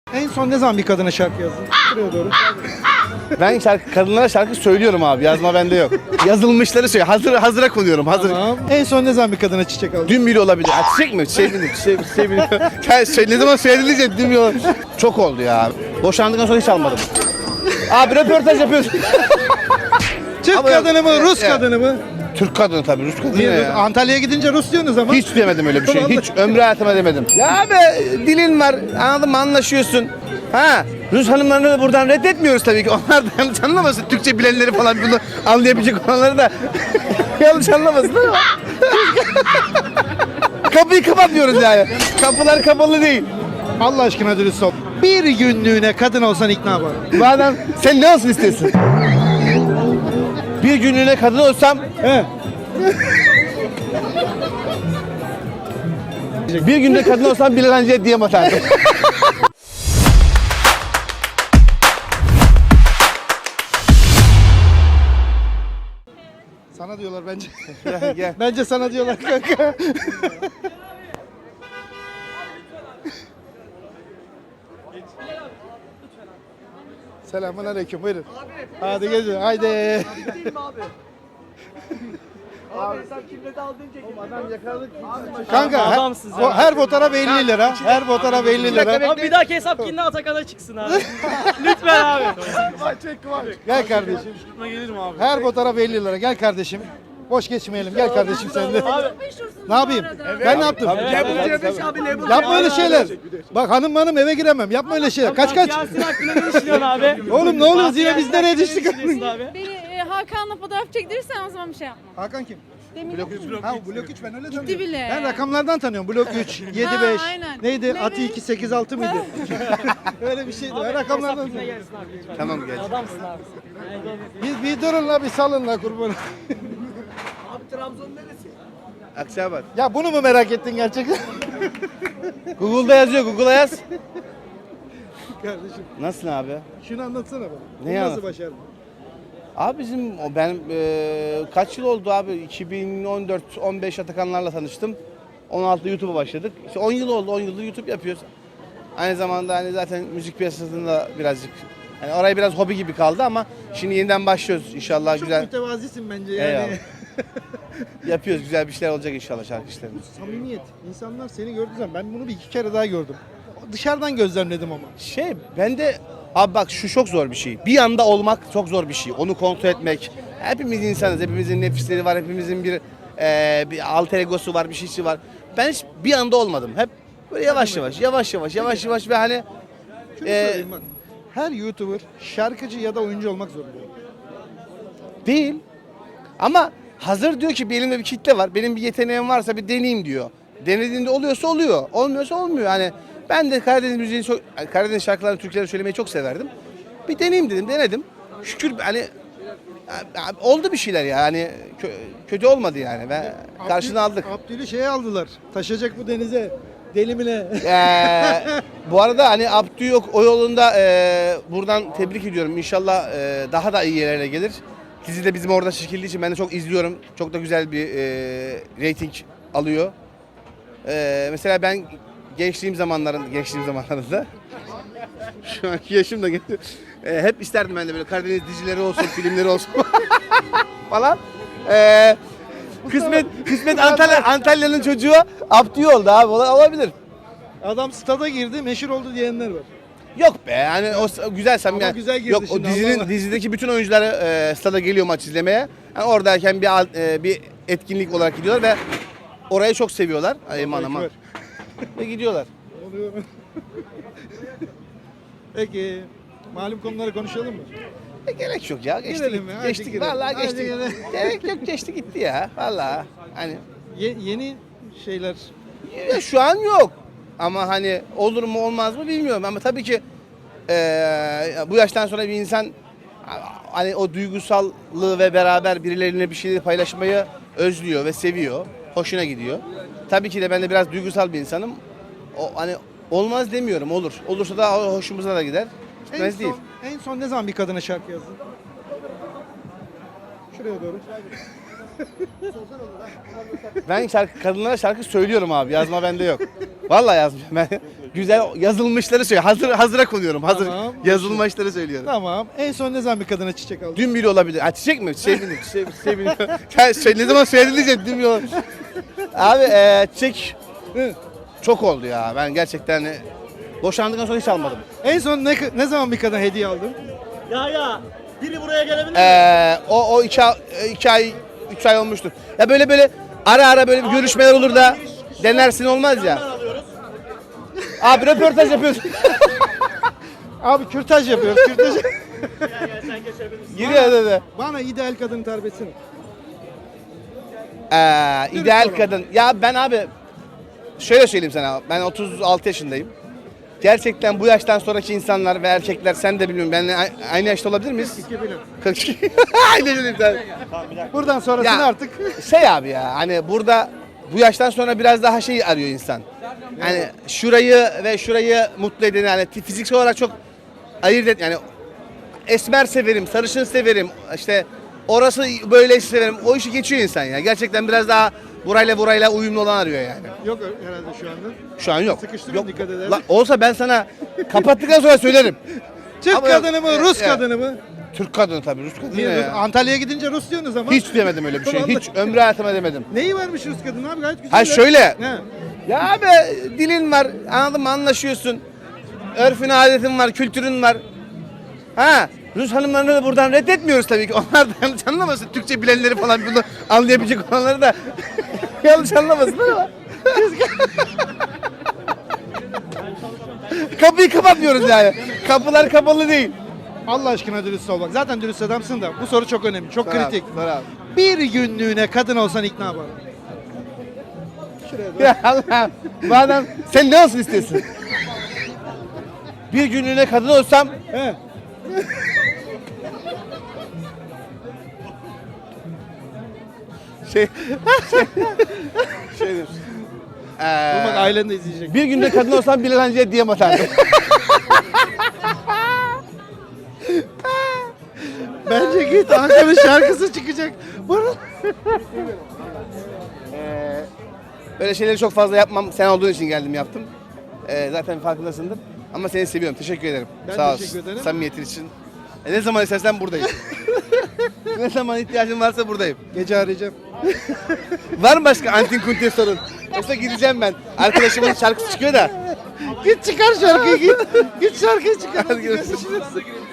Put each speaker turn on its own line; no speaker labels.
En son ne zaman bir kadına şarkı yazdın? Buraya doğru.
Ben kadınlara şarkı söylüyorum abi. Yazma bende yok. Yazılmışları söylüyorum. Hazıra konuyorum. Hazır.
Tamam. En son ne zaman bir kadına çiçek aldın?
Dün biri olabilir. Ha, çiçek mi? Şey biri. Ne zaman söylenecek dün biri olabilir. Çok oldu ya. Boşandıktan sonra hiç almadım. Abi röportaj yapıyoruz.
Türk kadını mı, Rus kadını mı?
Türk kadını tabii. Rus kadını
Niye?
ya.
Antalya'ya gidince Rus diyorsunuz ama.
Hiç demedim öyle bir şey. Hiç ömrü hayatıma demedim. Ya abi dilin var. Anladın mı? Anlaşıyorsun. Ha. Rus hanımlarını da buradan reddetmiyoruz tabii ki. Onlar da yanlış anlamasın. Türkçe bilenleri falan bunu anlayabilecek olanları da yanlış anlamasın ama. Kapıyı kapatmıyoruz yani. Kapılar kapalı değil.
Allah aşkına dürüst ol. Bir günlüğüne kadın olsan ikna var.
Madem sen ne olsun istiyorsun? Bir günlüğüne kadın olsam
He.
bir günde kadın olsam Bilal Hancı'ya diyem atardım.
Sana diyorlar bence.
Gel.
Bence sana diyorlar kanka. Selamun aleyküm, buyurun. Hadi gezin, haydi.
Abi sen kimle aldın çekin.
Adam yakaladık.
Kanka her fotoğraf 50 lira. Her fotoğraf 50 lira.
Abi bir dahaki hesap kimle Atakan'a çıksın abi. Lütfen abi.
Gel kardeşim.
Gelirim abi.
Her fotoğraf 50 lira. Gel kardeşim. Boş geçmeyelim. Gel kardeşim sen de. Ne yapayım? Ben ne yaptım? Yapma öyle şeyler. Bak hanım eve giremem. Yapma öyle şeyler. Kaç.
Yasin hakkında ne düşünüyorsun abi?
Oğlum ne oluyoruz yine biz nereye düştük?
Abi.
Beni Hakan'la fotoğraf çektirirsen o zaman bir şey yapma.
Hakan kim?
Demin
Ha blok 3 ben öyle tanıyorum.
bile.
Ben rakamlardan tanıyorum. Blok 3, 7 5.
aynen.
Neydi?
Evet.
Atı 2 8 6 mıydı? Öyle bir şeydi. Ben rakamlardan
Hesap kimle
tanıyorum.
gelsin abi lütfen.
Tamam gel.
Adamsın abi.
Bir durun la bir salın la kurbanı.
Akçabat.
Ya bunu mu merak ettin gerçekten?
Google'da yazıyor. Google'a yaz.
Kardeşim
Nasılsın abi?
şunu anlatsana bana.
Neyi
Bunu nasıl
anlat?
başardın?
Abi ben kaç yıl oldu abi? 2014-15 Atakanlarla tanıştım. 16'da YouTube'a başladık. İşte 10 yıl oldu. 10 yıldır YouTube yapıyoruz. Aynı zamanda hani zaten müzik piyasasında birazcık hani orayı biraz hobi gibi kaldı ama şimdi yeniden başlıyoruz inşallah
Çok
güzel.
mütevazisin bence yani.
Eyvallah. Yapıyoruz güzel bir şeyler olacak inşallah şarkı işlerinde.
Samimiyet. İnsanlar seni gördüğü zaman ben bunu bir iki kere daha gördüm. Dışarıdan gözlemledim ama.
Ben de abi bak şu çok zor bir şey. Bir anda olmak çok zor bir şey. Onu kontrol etmek. Hepimiz insanız. Hepimizin nefisleri var. Hepimizin bir alter egosu var, bir şeysi var. Ben hiç bir anda olmadım. Hep böyle yavaş yavaş ve hani
Şunu söyleyeyim bak. Her YouTuber şarkıcı ya da oyuncu olmak zorunda.
değil. Ama hazır diyor ki elimde bir kitle var. Benim bir yeteneğim varsa bir deneyeyim diyor. Denediğinde oluyorsa oluyor. Olmuyorsa olmuyor. Hani ben de Karadeniz şarkılarını, türküleri söylemeyi çok severdim. Bir deneyeyim dedim, denedim. Şükür hani oldu bir şeyler ya. Hani kötü olmadı yani. Ve karşını aldık.
Abdül'ü şeye aldılar. Taşacak bu denize. Delimine.
Bu arada hani Abdü yok o yolunda buradan tebrik ediyorum. İnşallah daha da iyi yerlere gelir. Dizi de bizim orada çekildiği için ben de çok izliyorum. Çok da güzel bir reyting alıyor. Mesela ben gençliğim zamanlarında şu anki yaşım da hep isterdim ben de böyle Karadeniz dizileri olsun, filmleri olsun falan. Kısmet Antalya'nın çocuğu Abdü oldu abi. Olabilir.
Adam stada girdi, meşhur oldu diyenler var.
Yok be yani o güzel
Ama
yani.
güzel girdi
Yok o
şimdi, Allah Allah.
dizideki bütün oyuncular stada geliyor maç izlemeye. Yani oradayken bir etkinlik olarak gidiyorlar ve orayı çok seviyorlar. Aman aman.
Ekber.
Ve gidiyorlar.
Oluyor. Peki, malum konuları konuşalım mı?
Gerek yok ya. Geçti
Girelim
gitti.
ya, hadi
Geçti
girelim.
vallahi
Hadi
geçti.
girelim.
Gerek yok geçti gitti ya. Vallahi hani
Yeni şeyler.
ya şu an yok. Ama hani olur mu olmaz mı bilmiyorum ama tabii ki bu yaştan sonra bir insan hani o duygusallığı ve beraber birileriyle bir şeyleri paylaşmayı özlüyor ve seviyor. Hoşuna gidiyor. Tabii ki de ben de biraz duygusal bir insanım. O hani olmaz demiyorum olur. Olursa da hoşumuza da gider. Gitmez değil.
En son ne zaman bir kadına şarkı yazdın? Şuraya doğru.
Ben kadınlara şarkı söylüyorum abi. Yazma bende yok. Vallahi yazmıyorum ben. güzel yazılmışları söylüyorum. Hazıra konuyorum. Hazır
Tamam.
yazılmışları söylüyorum.
Tamam. En son ne zaman bir kadına çiçek aldın?
Dün bile olabilir. Ha, çiçek mi? Çiçek bile. Ne zaman söyledin diyeceğim. Dün bile olabilir. Abi çiçek
Hı. çok
çok oldu ya. Ben gerçekten boşandıktan sonra hiç almadım.
En son ne zaman bir kadına hediye aldın?
Ya biri buraya gelebilir mi?
O 2 ay 3 ay olmuştur. Ya böyle ara böyle bir görüşmeler olur da denersin olmaz ya.
Alıyoruz.
Abi röportaj yapıyorsun.
Abi kürtaj yapıyoruz. Kürtaj.
Gel sen geçebilirsin.
Giriyor dedi.
Bana ideal kadını tarif etsene.
İdeal kadın. Ya ben abi şöyle söyleyeyim sana. Ben 36 yaşındayım. Gerçekten bu yaştan sonraki insanlar ve erkekler sen de bilmiyorum benimle aynı yaşta olabilir miyiz?
2000'im.
42. Aynı yaşta.
Buradan sonrasını
Ya.
artık.
Şey abi ya hani burada bu yaştan sonra biraz daha şey arıyor insan. Hani şurayı mutlu eden yani fiziksel olarak çok ayırt et yani esmer severim, sarışın severim. İşte orası böyle severim. O işi geçiyor insan ya. Gerçekten biraz daha burayla uyumlu olan arıyor yani.
Yok herhalde şu anda.
Şu an yok.
Sıkıştırın,
Yok.
dikkat ederim.
Lan olsa ben sana kapattıktan sonra söylerim.
Türk
Ama
kadını mı, Rus
ya.
kadını mı?
Türk kadını tabii Rus kadını
Niye
ne
Rus?
ya?
Antalya'ya gidince Rus diyorsunuz ama.
Hiç demedim öyle bir şey.
Vallahi.
Hiç ömrü hayatıma demedim.
Neyi varmış Rus kadını abi gayet güzel.
Ha
ya.
şöyle.
Ne?
Ya abi dilin var, anladın mı? Anlaşıyorsun. Örfün, adetin var, kültürün var. Ha, Rus hanımlarını da buradan reddetmiyoruz tabii ki. Onlar da yanlış anlamasın. Türkçe bilenleri falan bunu anlayabilecek olanları da yanlış anlamasınlar ama. Kapıyı kapatmıyoruz yani. Kapılar kapalı değil.
Allah aşkına dürüst ol bak. Zaten dürüst adamsın da bu soru çok önemli, çok kritik.
Sor abi.
Bir günlüğüne kadın olsan ikna yapar. Şuraya dur.
Ya Allah. Bu adam sen ne olsun istiyorsun? Bir günlüğüne kadın olsam
He.
şey diyorsun.
Dur bak ailen de izleyecek.
Bir günde kadın olsam Bilal Hancı'ya diyem atardım.
Bence git Hakan'ın şarkısı çıkacak. Bana-
Böyle şeyleri çok fazla yapmam. Sen olduğun için geldim yaptım. Zaten farkındasındır. Ama seni seviyorum. Teşekkür ederim.
Ben
Sağ
teşekkür ederim.
Samimiyetin için. Ne zaman istersen buradayım. Ne zaman ihtiyacın varsa buradayım.
Gece arayacağım.
Var mı başka antin kuntin sorun? Yoksa gideceğim ben. Arkadaşımın şarkısı çıkıyor da.
Git çıkar şarkıyı git. Git şarkıyı çıkar.
Hadi görüşürüz.
Görüşürüz.